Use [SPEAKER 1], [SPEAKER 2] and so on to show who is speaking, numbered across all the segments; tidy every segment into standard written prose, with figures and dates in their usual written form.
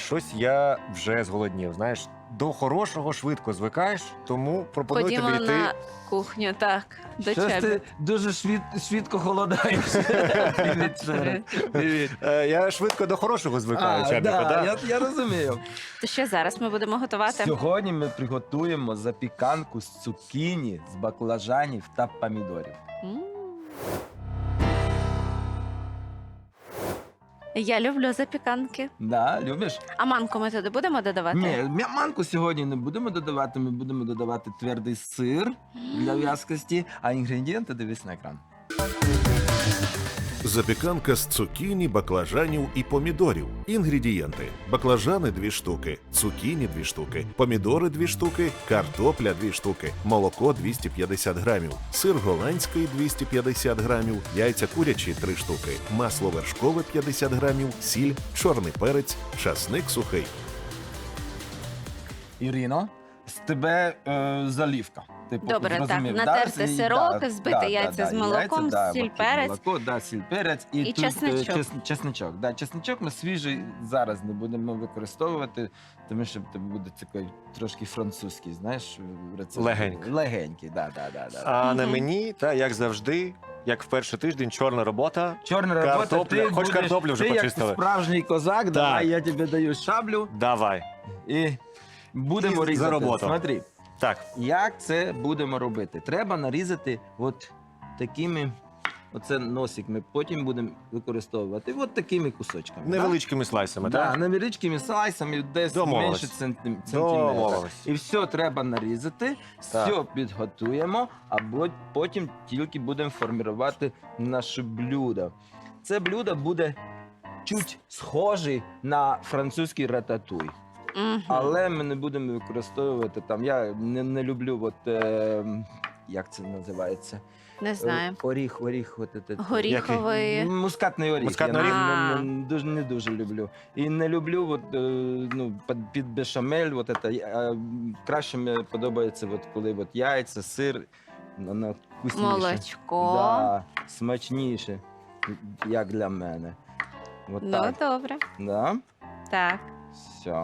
[SPEAKER 1] щось я вже зголоднів. Знаєш, до хорошого швидко звикаєш, тому пропоную
[SPEAKER 2] Ходімо
[SPEAKER 1] тобі йти.
[SPEAKER 2] на кухню, так, до
[SPEAKER 3] Щось
[SPEAKER 2] тебе.
[SPEAKER 3] ти дуже швидко холодаєш. Привіт, Шера. Привіт.
[SPEAKER 1] Я швидко до хорошого звикаю, Чабіко,
[SPEAKER 3] да,
[SPEAKER 1] да?
[SPEAKER 3] я розумію.
[SPEAKER 2] То що зараз ми будемо готувати?
[SPEAKER 3] Сьогодні ми приготуємо запіканку з цукіні, з баклажанів та помідорів.
[SPEAKER 2] М. Я люблю запіканки.
[SPEAKER 3] Да, любиш?
[SPEAKER 2] А манку ми туди будемо додавати?
[SPEAKER 3] Ні, манку сьогодні не будемо додавати, ми будемо додавати твердий сир для в'язкості, а інгредієнти дивись на екран.
[SPEAKER 4] Запіканка з цукіні, баклажанів і помідорів. Інгредієнти: баклажани 2 штуки, цукіні 2 штуки, помідори 2 штуки, картопля 2 штуки, молоко 250 грамів, сир голландський 250 грамів, яйця курячі 3 штуки, масло вершкове 50 грамів, сіль, чорний перець, часник сухий.
[SPEAKER 3] Ірино, з тебе залівка. Ти
[SPEAKER 2] Добре, так,
[SPEAKER 3] зрозумів,
[SPEAKER 2] натерти сирок, збити яйця з молоком,
[SPEAKER 3] яйця,
[SPEAKER 2] сіль, перець.
[SPEAKER 3] Молоко, сіль, перець
[SPEAKER 2] І
[SPEAKER 3] тут,
[SPEAKER 2] чесничок.
[SPEAKER 3] чесничок. Да, чесничок ми свіжий зараз не будемо використовувати, тому що це буде такий трошки французький, знаєш, рецепт.
[SPEAKER 1] Легенький.
[SPEAKER 3] Легенький, да.
[SPEAKER 1] А на
[SPEAKER 2] Мгм.
[SPEAKER 1] мені, як завжди, як в перший тиждень, чорна робота.
[SPEAKER 3] Чорна робота,
[SPEAKER 1] Картопля.
[SPEAKER 3] ти
[SPEAKER 1] Хоч
[SPEAKER 3] будеш,
[SPEAKER 1] картоплю вже
[SPEAKER 3] ти
[SPEAKER 1] почистили.
[SPEAKER 3] як справжній козак, давай я тобі даю шаблю
[SPEAKER 1] Давай.
[SPEAKER 3] і будемо
[SPEAKER 1] І за
[SPEAKER 3] різати.
[SPEAKER 1] роботу.
[SPEAKER 3] Смотри.
[SPEAKER 1] Так,
[SPEAKER 3] Як це будемо робити? Треба нарізати от такими, оце носик ми потім будемо використовувати, от такими кусочками.
[SPEAKER 1] невеличкими слайсами,
[SPEAKER 3] Да,
[SPEAKER 1] так?
[SPEAKER 3] невеличкими слайсами, десь
[SPEAKER 1] Домовились.
[SPEAKER 3] менше сантиметра.
[SPEAKER 1] Домовились.
[SPEAKER 3] І все треба нарізати, все підготуємо, а потім тільки будемо формувати наше блюдо. Це блюдо буде чуть схоже на французький рататуй.
[SPEAKER 2] Мгм.
[SPEAKER 3] Але ми не будемо використовувати там. Я не люблю, як це називається?
[SPEAKER 2] Не знаю.
[SPEAKER 3] Оріх,
[SPEAKER 2] Горіховий.
[SPEAKER 3] Мускатний оріх.
[SPEAKER 1] Мускатний
[SPEAKER 3] я
[SPEAKER 2] оріх?
[SPEAKER 3] не дуже люблю. І не люблю під бешамель. Краще мені подобається, коли яйця, сир, воно вкусніше.
[SPEAKER 2] Молочко.
[SPEAKER 3] Да, смачніше, як для мене.
[SPEAKER 2] Ну,
[SPEAKER 3] Так.
[SPEAKER 2] добре.
[SPEAKER 3] Да?
[SPEAKER 2] Так.
[SPEAKER 3] Все.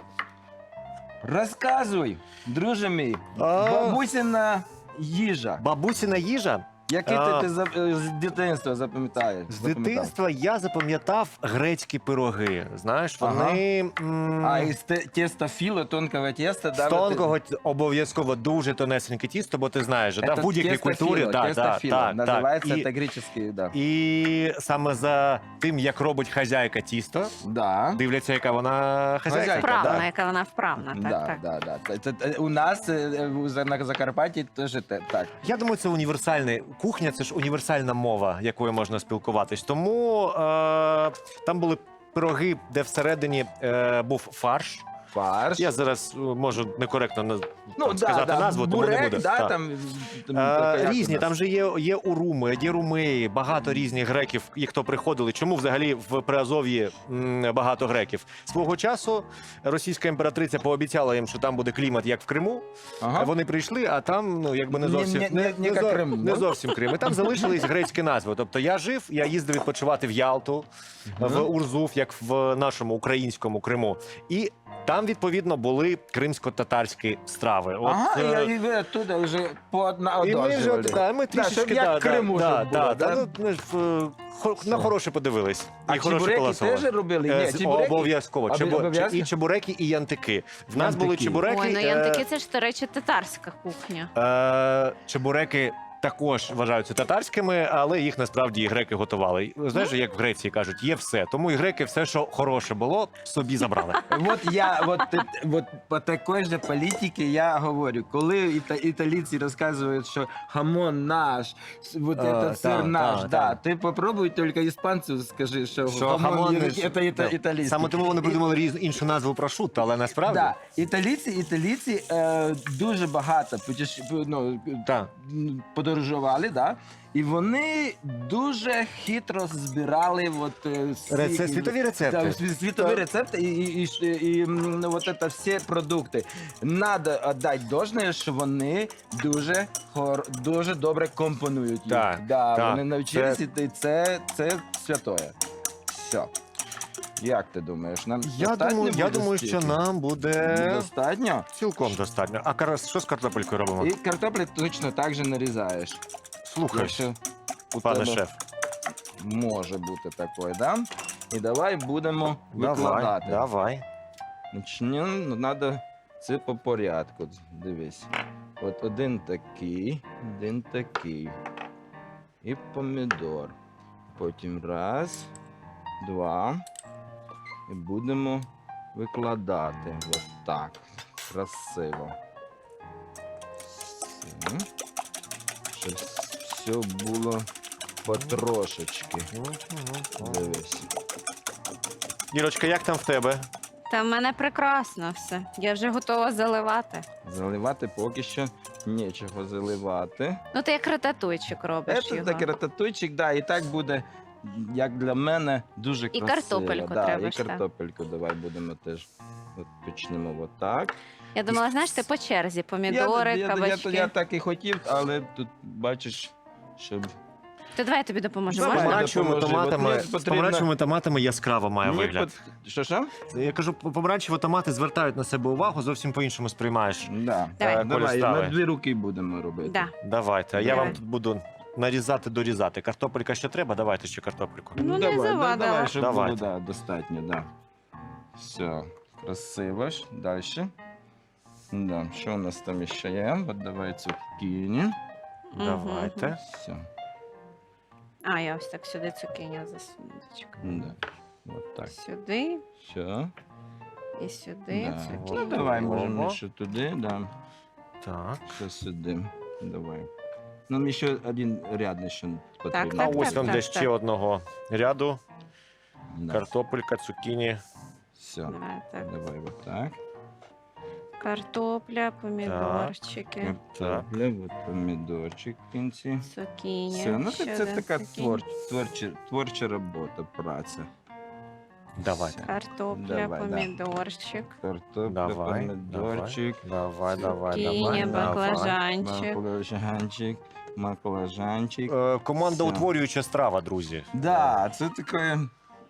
[SPEAKER 3] Розказуй, друже мій,
[SPEAKER 1] А.
[SPEAKER 3] бабусина їжа.
[SPEAKER 1] Бабусіна їжа.
[SPEAKER 3] Який
[SPEAKER 1] А.
[SPEAKER 3] ти з дитинства запам'ятаєш?
[SPEAKER 1] З дитинства я запам'ятав грецькі пироги. Знаєш,
[SPEAKER 3] Ага.
[SPEAKER 1] вони
[SPEAKER 3] А із теста філо, тонкого теста,
[SPEAKER 1] з тонкого обов'язково дуже тонесеньке тісто, бо ти знаєш, же, в будь-якій культурі
[SPEAKER 3] теста філо. Називається
[SPEAKER 1] І,
[SPEAKER 3] це греческий, да.
[SPEAKER 1] і саме за тим, як робить хазяйка тісто,
[SPEAKER 3] Да.
[SPEAKER 1] дивляться, яка вона хазяйка.
[SPEAKER 3] Хазяйка,
[SPEAKER 2] Вправна,
[SPEAKER 3] да.
[SPEAKER 2] яка вона вправна. Так,
[SPEAKER 3] Да,
[SPEAKER 2] так.
[SPEAKER 3] да. У нас на Закарпатті теж так.
[SPEAKER 1] Я думаю, це універсальний кухня, це ж універсальна мова, якою можна спілкуватись. Тому там були пироги, де всередині був фарш.
[SPEAKER 3] Фарш.
[SPEAKER 1] Я зараз можу некоректно
[SPEAKER 3] да,
[SPEAKER 1] сказати назву, тому не
[SPEAKER 3] бурек,
[SPEAKER 1] буду.
[SPEAKER 3] да,
[SPEAKER 1] Так.
[SPEAKER 3] там як
[SPEAKER 1] Різні,
[SPEAKER 3] у нас?
[SPEAKER 1] там же є уруми, є румеї, багато різних греків, і хто приходили. Чому взагалі в Приазов'ї багато греків? Свого часу російська імператриця пообіцяла їм, що там буде клімат, як в Криму.
[SPEAKER 3] Ага.
[SPEAKER 1] Вони прийшли, а там якби не зовсім
[SPEAKER 3] Не як Крим,
[SPEAKER 1] не
[SPEAKER 3] да?
[SPEAKER 1] зовсім Крим. І там залишились грецькі назви. Тобто я жив, я їздив відпочивати в Ялту, в Урзуф, як в нашому українському Криму. І там, відповідно, були кримсько-татарські страви.
[SPEAKER 3] Ага, і ви оттуда вже
[SPEAKER 1] і ми вже
[SPEAKER 3] пооднажували.
[SPEAKER 1] ми трішечки
[SPEAKER 3] щоб як в Криму щоб було, да?
[SPEAKER 1] ми ж, на хороше подивились.
[SPEAKER 3] А
[SPEAKER 1] І хороше
[SPEAKER 3] чебуреки
[SPEAKER 1] полосували.
[SPEAKER 3] теж робили? Ні, чебуреки?
[SPEAKER 1] Обов'язково.
[SPEAKER 3] Обов'язково?
[SPEAKER 1] І чебуреки, і янтики. В нас були
[SPEAKER 3] Янтики.
[SPEAKER 1] чебуреки.
[SPEAKER 2] Ой, ну янтики це ж, до речі, татарська кухня.
[SPEAKER 1] Чебуреки також вважаються татарськими, але їх насправді і греки готували. Знаєш, як в Греції кажуть, є все. Тому і греки все, що хороше було, собі забрали.
[SPEAKER 3] Вот по такой же політиці я говорю, коли італійці розказують, що хамон наш, вот этот сир наш, да, ти попробуй тільки іспанцю скажи, що хамон це італійський.
[SPEAKER 1] Саме тому вони придумали іншу назву прошутто, але насправді...
[SPEAKER 3] Да, італійці дуже багато
[SPEAKER 1] Так.
[SPEAKER 3] подорожували, да? І вони дуже хитро збирали
[SPEAKER 1] Світові рецепти.
[SPEAKER 3] світові рецепти і вот це всі продукти. Надо віддати должне, що вони дуже добре компонують їх.
[SPEAKER 1] Так, так.
[SPEAKER 3] Вони навчилися, і це святое. Все. Як ти думаєш? Нам
[SPEAKER 1] Я
[SPEAKER 3] достатньо
[SPEAKER 1] думаю,
[SPEAKER 3] буде
[SPEAKER 1] що
[SPEAKER 3] стільки?
[SPEAKER 1] нам буде
[SPEAKER 3] Достатньо?
[SPEAKER 1] цілком достатньо. А що з картопелькою робимо?
[SPEAKER 3] І картоплю точно так же нарізаєш.
[SPEAKER 1] Слухай,
[SPEAKER 3] Якщо у
[SPEAKER 1] пане
[SPEAKER 3] тебе
[SPEAKER 1] шеф.
[SPEAKER 3] може бути такое, да? І давай будемо
[SPEAKER 1] Давай,
[SPEAKER 3] викладати.
[SPEAKER 1] давай.
[SPEAKER 3] Начнемо, ну, треба це по порядку. Дивись. От один такий. І помідор. Потім раз, два. І будемо викладати. Ось так. Красиво. Все. Щоб все було потрошечки. Дивись.
[SPEAKER 1] Ірочка, як там в тебе?
[SPEAKER 2] Та в мене прекрасно все. Я вже готова заливати.
[SPEAKER 3] Заливати поки що нічого заливати.
[SPEAKER 2] Ну, ти як рататуйчик робиш
[SPEAKER 3] Це
[SPEAKER 2] його.
[SPEAKER 3] такий рататуйчик, да, і так буде, як для мене, дуже красиво.
[SPEAKER 2] картопельку
[SPEAKER 3] да,
[SPEAKER 2] треба
[SPEAKER 3] і
[SPEAKER 2] ж, так.
[SPEAKER 3] картопельку давай будемо теж. От почнемо отак.
[SPEAKER 2] Я думала, знаєш, ти по черзі. Помідори, кабачки.
[SPEAKER 3] Я так і хотів, але тут бачиш, щоб...
[SPEAKER 2] Ти давай я тобі допоможу.
[SPEAKER 3] Давай.
[SPEAKER 2] Можна?
[SPEAKER 1] Помаранчевими
[SPEAKER 3] допоможи. От
[SPEAKER 1] томатами,
[SPEAKER 3] мені
[SPEAKER 1] з
[SPEAKER 3] потрібно-
[SPEAKER 1] помаранчевими томатами яскраво має
[SPEAKER 3] Мені
[SPEAKER 1] вигляд.
[SPEAKER 3] Що?
[SPEAKER 1] Я кажу, помаранчеві томати звертають на себе увагу, зовсім по-іншому сприймаєш.
[SPEAKER 3] Да.
[SPEAKER 2] Давай.
[SPEAKER 1] Колі
[SPEAKER 3] Давай,
[SPEAKER 1] страви.
[SPEAKER 3] на дві руки будемо робити.
[SPEAKER 2] Да.
[SPEAKER 1] Давайте, а я
[SPEAKER 2] Давай.
[SPEAKER 1] вам тут буду нарізати, дорізати. Картопелька ще треба, давайте ще картопельку.
[SPEAKER 2] Ну, не
[SPEAKER 3] давай,
[SPEAKER 2] завадила.
[SPEAKER 3] давай, щоб
[SPEAKER 1] Давайте.
[SPEAKER 3] було достатньо, да. Все, красиво ж. Далі. Да. Що у нас там ще є? От давай цукіні.
[SPEAKER 1] Давайте.
[SPEAKER 3] Все.
[SPEAKER 2] А, я ось так сюди цукіні засуну. Зачекай.
[SPEAKER 3] Да. От так.
[SPEAKER 2] Сюди
[SPEAKER 3] Все.
[SPEAKER 2] і сюди
[SPEAKER 3] Да.
[SPEAKER 2] цукіні.
[SPEAKER 3] Ну, давай,
[SPEAKER 1] Ого.
[SPEAKER 3] можемо ще туди, да.
[SPEAKER 1] Так.
[SPEAKER 3] Ще сюди. Давай. Нам ще один ряд ще потрібно.
[SPEAKER 1] А
[SPEAKER 2] Так,
[SPEAKER 1] ось вам
[SPEAKER 2] так,
[SPEAKER 1] десь
[SPEAKER 2] так.
[SPEAKER 1] ще одного ряду.
[SPEAKER 3] Да.
[SPEAKER 1] Картопелька, цукіні.
[SPEAKER 3] Все.
[SPEAKER 2] Давай, так.
[SPEAKER 3] Давай вот так.
[SPEAKER 2] Картопля, помідорчики,
[SPEAKER 3] Картопля, от помідорчик в кінці.
[SPEAKER 2] цукіні.
[SPEAKER 3] Все, ну
[SPEAKER 2] ще
[SPEAKER 3] це
[SPEAKER 2] один
[SPEAKER 3] така
[SPEAKER 2] цукіні.
[SPEAKER 3] творча робота, праця.
[SPEAKER 1] Давайте.
[SPEAKER 2] Картопля,
[SPEAKER 3] Давай, да.
[SPEAKER 2] помідорчик,
[SPEAKER 3] Картопля,
[SPEAKER 1] Давай,
[SPEAKER 3] помідорчик,
[SPEAKER 1] Давай, давай,
[SPEAKER 2] цукіні,
[SPEAKER 1] давай.
[SPEAKER 2] баклажанчик.
[SPEAKER 3] маклажанчик.
[SPEAKER 1] Команда
[SPEAKER 3] Все.
[SPEAKER 1] утворююча страва, друзі.
[SPEAKER 3] Да, це таке,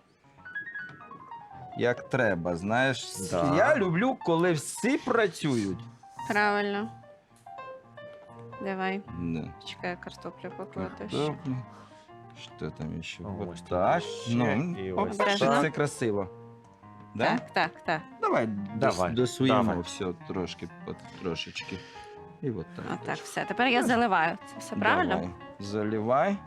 [SPEAKER 3] як треба, знаєш.
[SPEAKER 1] Да.
[SPEAKER 3] Я люблю, коли всі працюють.
[SPEAKER 2] Правильно. Давай,
[SPEAKER 3] Да.
[SPEAKER 2] чекай, картоплю покладу. ще.
[SPEAKER 3] Картопля. Що там ще?
[SPEAKER 1] Ось
[SPEAKER 3] Вот
[SPEAKER 1] тут
[SPEAKER 3] так.
[SPEAKER 1] ще,
[SPEAKER 3] Ну,
[SPEAKER 1] і
[SPEAKER 3] оп,
[SPEAKER 1] ось
[SPEAKER 3] що
[SPEAKER 2] так.
[SPEAKER 3] це красиво. Да?
[SPEAKER 2] Так.
[SPEAKER 3] Давай,
[SPEAKER 1] Давай,
[SPEAKER 3] досуємо
[SPEAKER 1] давай.
[SPEAKER 3] все трошки, трошечки. І от так.
[SPEAKER 2] Отак, все. Тепер я заливаю. Це все правильно?
[SPEAKER 3] Давай. Заливай.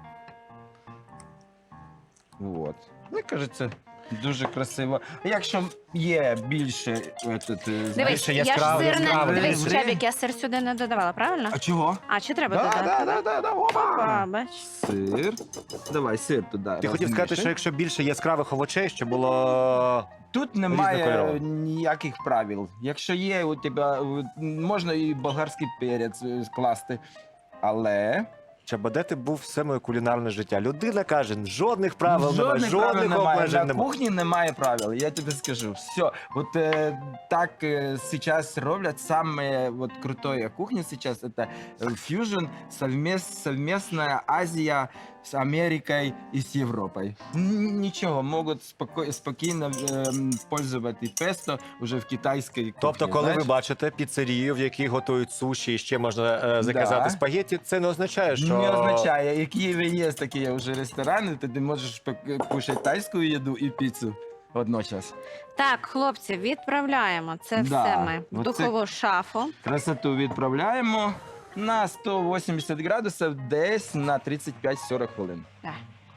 [SPEAKER 3] Вот. Мені кажеться, дуже красиво. Якщо є більше,
[SPEAKER 2] Дивись,
[SPEAKER 1] Більше
[SPEAKER 2] я ж
[SPEAKER 1] яскравий,
[SPEAKER 2] сир не...
[SPEAKER 1] яскравий.
[SPEAKER 2] Дивись,
[SPEAKER 3] Добре.
[SPEAKER 2] Чабік, я сир сюди не додавала, правильно?
[SPEAKER 3] А чого?
[SPEAKER 2] А, чи треба додати?
[SPEAKER 3] Да.
[SPEAKER 2] Опа,
[SPEAKER 3] Опа.
[SPEAKER 2] бач.
[SPEAKER 3] Сир. Давай, сир туди.
[SPEAKER 1] Ти хотів сказати, що якщо більше яскравих овочей, щоб було.
[SPEAKER 3] Тут немає
[SPEAKER 1] Різнокольорово.
[SPEAKER 3] ніяких правил. Якщо є у тебе, можна і болгарський перець скласти, але
[SPEAKER 1] Чаба, де ти був все моє кулінарне життя? Людина каже, жодних правил немає,
[SPEAKER 3] жодних правил
[SPEAKER 1] жодних
[SPEAKER 3] немає.
[SPEAKER 1] обмежень
[SPEAKER 3] На
[SPEAKER 1] немає.
[SPEAKER 3] кухні немає правил, я тобі скажу. Все, вот так сейчас роблять самая вот крутая кухня сейчас, это фьюжн, совместная Азия с Америкой и с Европой. Ничего, могут спокійно пользувати песто уже в китайській кухні.
[SPEAKER 1] Тобто, коли
[SPEAKER 3] знаєш?
[SPEAKER 1] ви бачите піцерію, в якій готують суші і ще можна заказати
[SPEAKER 3] Да.
[SPEAKER 1] спагетті, це не означає, що
[SPEAKER 3] Не означає, в Києві є такі вже ресторани, де ти можеш кушати тайську їду і піцу одночасно.
[SPEAKER 2] Так, хлопці, відправляємо. Це
[SPEAKER 3] Да,
[SPEAKER 2] все ми в
[SPEAKER 3] оце-
[SPEAKER 2] духову шафу.
[SPEAKER 3] Красоту відправляємо на 180 градусів десь на 35-40 хвилин.
[SPEAKER 2] Так.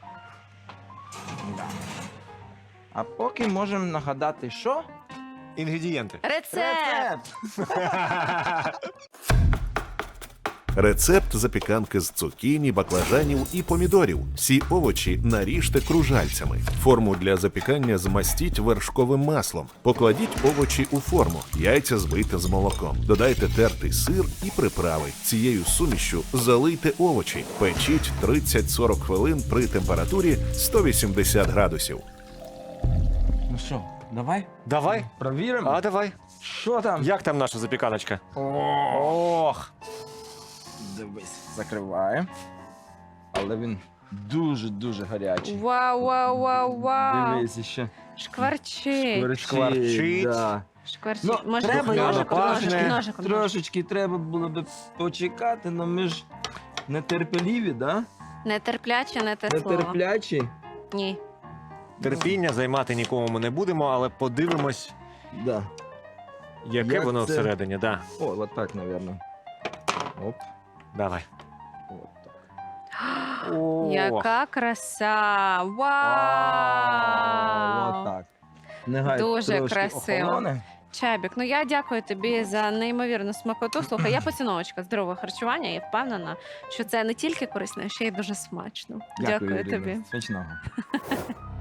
[SPEAKER 3] Да. А поки можемо нагадати, що?
[SPEAKER 1] інгредієнти.
[SPEAKER 2] Рецепт!
[SPEAKER 4] Рецепт запіканки з цукіні, баклажанів і помідорів. Всі овочі наріжте кружальцями. Форму для запікання змастіть вершковим маслом. Покладіть овочі у форму. Яйця збийте з молоком. Додайте тертий сир і приправи. Цією сумішшю залийте овочі. Печіть 30-40 хвилин при температурі 180 градусів.
[SPEAKER 3] Ну що, давай?
[SPEAKER 1] Давай,
[SPEAKER 3] Провіримо.
[SPEAKER 1] а давай.
[SPEAKER 3] Що там?
[SPEAKER 1] Як там наша запіканочка? Ох,
[SPEAKER 3] Дивись, закриваємо. Але він дуже-дуже гарячий.
[SPEAKER 2] Вау.
[SPEAKER 3] Дивись ще.
[SPEAKER 2] Шкварчить.
[SPEAKER 1] Шкварчить.
[SPEAKER 3] Да.
[SPEAKER 2] Шкварчить.
[SPEAKER 3] Ну,
[SPEAKER 2] Може,
[SPEAKER 3] треба
[SPEAKER 2] ножиком,
[SPEAKER 1] його
[SPEAKER 2] ножиком,
[SPEAKER 1] пахне.
[SPEAKER 2] ножиком.
[SPEAKER 3] Трошечки треба було б почекати, але ми ж нетерпеливі, да?
[SPEAKER 2] Нетерпляче, не те слово.
[SPEAKER 3] Нетерплячі.
[SPEAKER 2] Ні.
[SPEAKER 1] Терпіння займати нікому ми не будемо, але подивимось,
[SPEAKER 3] Да.
[SPEAKER 1] яке
[SPEAKER 3] Як
[SPEAKER 1] воно
[SPEAKER 3] це?
[SPEAKER 1] всередині. Да.
[SPEAKER 3] О, от так, мабуть. Оп.
[SPEAKER 1] Давай.
[SPEAKER 3] От так.
[SPEAKER 1] О,
[SPEAKER 2] Яка краса!
[SPEAKER 3] От
[SPEAKER 2] Вау!
[SPEAKER 3] так. Нехай
[SPEAKER 2] Дуже
[SPEAKER 3] трошки
[SPEAKER 2] красиво.
[SPEAKER 3] охолоне.
[SPEAKER 2] Чабік, ну я дякую тобі за неймовірну смакоту. Слухай, я поціновочка здорового харчування і впевнена, що це не тільки корисно, а ще й дуже смачно. Дякую
[SPEAKER 3] Ірина.
[SPEAKER 2] тобі.
[SPEAKER 3] Смачного.